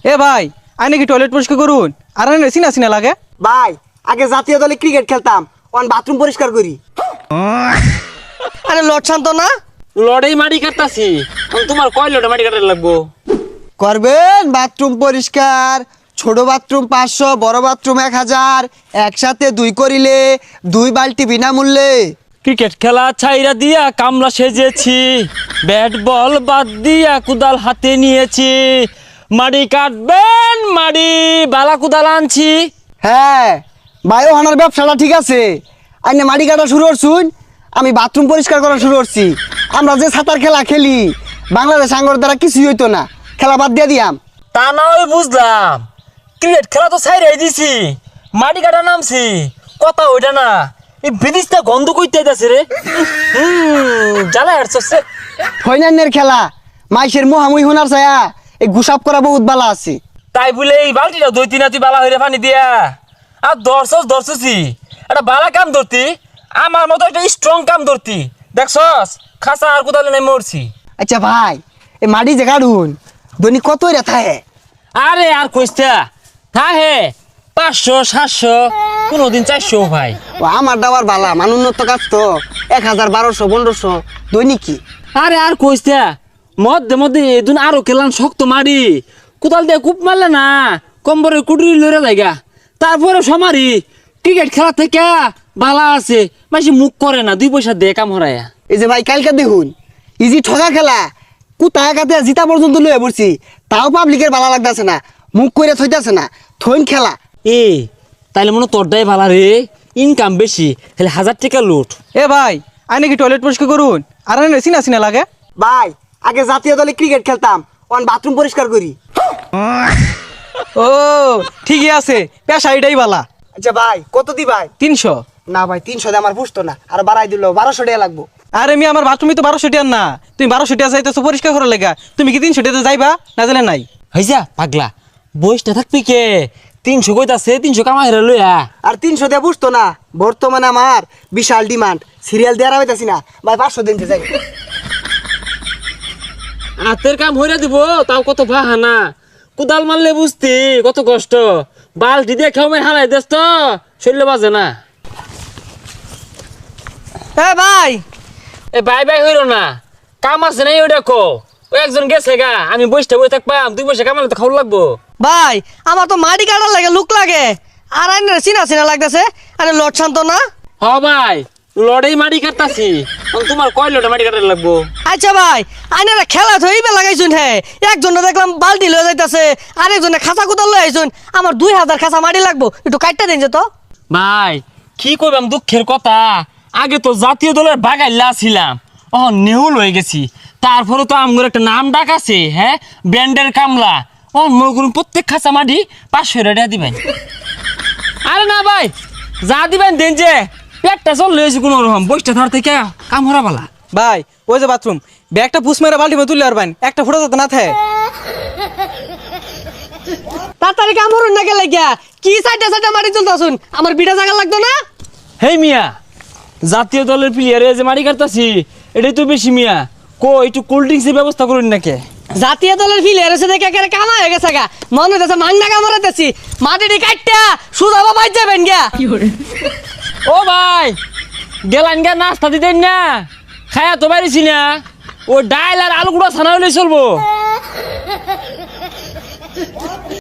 এ ভাই আই নাকি টয়লেট পরিষ্কার করুন আর আনে সিনা সিনা লাগে ভাই আগে জাতীয় দলে ক্রিকেট খেলতাম অন বাথরুম পরিষ্কার করি। আরে লট শান্ত না লড়াই মাটি কাটতাছি তোমার কয় লড়াই মাটি কাটার লাগবো করবেন বাথরুম পরিষ্কার, ছোট বাথরুম 500, বড় বাথরুম 1000, একসাথে 2 করিলে 2 বালতি বিনামূল্যে। ক্রিকেট খেলা ছাইরা দিয়া কামলা সেজেছি, ব্যাট বল বাদ দিয়া কুদাল হাতে নিয়েছি, মাটি কাটবেন মাটি বালা কুদাল আনছি। হ্যাঁ বায়ো হানার ব্যবসাটা ঠিক আছে, আইনে মাটি কাটা শুরু করছুন, আমি বাথরুম পরিষ্কার করা শুরু করছি। আমরা যে সাঁতার খেলা খেলি বাংলাদেশ আঙ্গর দ্বারা কিছুই হইতো না, খেলা বাদ দিয়ে দিয়াম। তা না হয় বুঝলাম, ক্রিকেট খেলা তো ছাইরাই দিছি, মাটি কাটা নামছি, কথা ওইটা না, এই বিদিশটা গন্ধ কইতে যাচ্ছে রে। জ্বালা হাঁটছে ফাইনালের খেলা মাইসের মোহামুই হোনার ছায়া এই গুসাপ করা বহুত বালা আছে। তাই বলে এই বালতিটা 2-3 তুই বালা হইরে পানি দিয়া আর ধরছি একটা বালা কাম ধরতি, আমার মতো একটা স্ট্রং কাম ধরতি, দেখছস খাসা আর কোদালে নাই মরছি। আচ্ছা ভাই এই মাটি যে কাটুন দৈনিক কত রেথা হে? আরে আর কইস্তা থা হে 500-700 কোনদিন 400 ভাই। ও আমার দাবার বালা মানুন্নত কাজ তো 1000, 1200, 1500 দৈনিক কি। আরে আর কইস্তা মধ্যে এদিন আরো খেলাম শক্ত মারি, কোদাল দিয়ে কূপ মারলে না কম্বরে কুটুরি লড়ে লাগা, তারপরে সমারি ক্রিকেট খেলা থেকে বালা আছে মাসি মুখ করে না, 2 পয়সা দিয়ে কাম হরায়া। এই যে ভাই কালকে দেখুন ইজি ঠগা খেলা কুতায় কাতে জিতা পর্যন্ত লয়ে পড়ছি, তাও পাবলিকের বালা লাগতেছে না, মুখ করে থইতাছে না, থইন খেলা। এ তাইলে মনে তোরটাই ভালা রে, ইনকাম বেশি, তাহলে 1000 টাকা লুট। এ ভাই আই নাকি টয়লেট পরিষ্কার করুন আর আনে সিনা সিনা লাগে ভাই আগে জাতীয় দলে ক্রিকেট খেলতাম অন বাথরুম পরিষ্কার করি। ও ঠিকই আছে, পেশা এটাই বালা। আচ্ছা ভাই কত দি ভাই? 300। না ভাই 300 দিয়ে আমার পুষতো না, আর বাড়াই দিল 1200 টাকা লাগবো। আরে আমি আমার বাথরুমে তো 1200 টাকা না, তুমি 1200 টাকা যাইতেছো পরিষ্কার করার লেগা, তুমি কি 300 টাকা যাইবা না জানে নাই? হইজা পাগলা বইসটা থাকবি কে, 300 কইতাছে 300 কামাই রে লইয়া। আর 300 দিয়ে পুষতো না, বর্তমানে আমার বিশাল ডিমান্ড, সিরিয়াল দেওয়া হইতাছি না ভাই, 500 দিন যাই। হাতের কাম হইরা দিব তাও কত বাহানা, কুদাল মারলে বুঝতি কত কষ্ট, বালতি দিয়ে খেয়ে হারাই দেস তো শরীরে বাজে না। এ ভাই এ বাই হইল না, কাম আছে নাই ওই দেখো, ওই একজন গেছে গা, আমি বসটা বই থাকবাম, 2 পয়সা কামালে তো খাওয়া লাগবো। ভাই আমার তো মাটি কাটার লাগে লুক লাগে, আর আইনে চিনা চিনা লাগতেছে। আরে লট শান্ত না হ ভাই লড়াই মাটি কাটতাছি, তোমার কয় লড়াই মাটি কাটার লাগবো? আচ্ছা ভাই আইনারা খেলা থইবে লাগাইছুন, হে একজনে দেখলাম বালতি লয়ে যাইতাছে, আরেকজনে খাঁচা কুদাল লয়ে আইছুন, আমার 2000 খাঁচা মাটি লাগবো, একটু কাটটা দিন যে তো। ভাই কি কইবাম দুঃখের কথা, আগে তো জাতীয় দলের বাগাইলা ছিলাম, ও নেহুল হয়ে গেছি, তারপরে তো আমগর একটা নাম ডাক আছে, হ্যাঁ ব্যান্ডের কামলা, ও মগুর প্রত্যেক খাঁচা মাটি 500 টাকা দিবেন। আরে না ভাই যা দিবেন দেন, যে পেটটা চল লয়েছি কোনো রকম, বইটা ধর থেকে কাম হরা বালা। ভাই ওই যে বাথরুম ব্যাগটা পুষ মেরে বালতি মে তুললে আর বাইন একটা ফুটা যাতে না থাকে। তাড়াতাড়ি কাম হরুন না গেলে গিয়া কি সাইডে সাইডে মাটি তুলতাছুন, আমার বিটা জায়গা লাগতো না। হেই মিয়া, জাতীয় দলের প্লেয়ারে যে মাটি কাটতাছি এটাই তো বেশি মিয়া, কো একটু কোল্ড ড্রিঙ্কসের ব্যবস্থা করুন নাকি? জাতীয় দলের ফিলিয়ার এসে দেখে একেবারে কামা হয়ে গেছে গা, মনে হইতেছে মাংনা কামড়াইতেছি, মাটিটি কাটটা সুদা বাবাই যাবেন গিয়া। ও ভাই গেলান গা নাস্তা দিতেন না, খায়া তো পারিছি না, ও ডাইল আর আলু গুঁড়া ছানা হলে চলবো।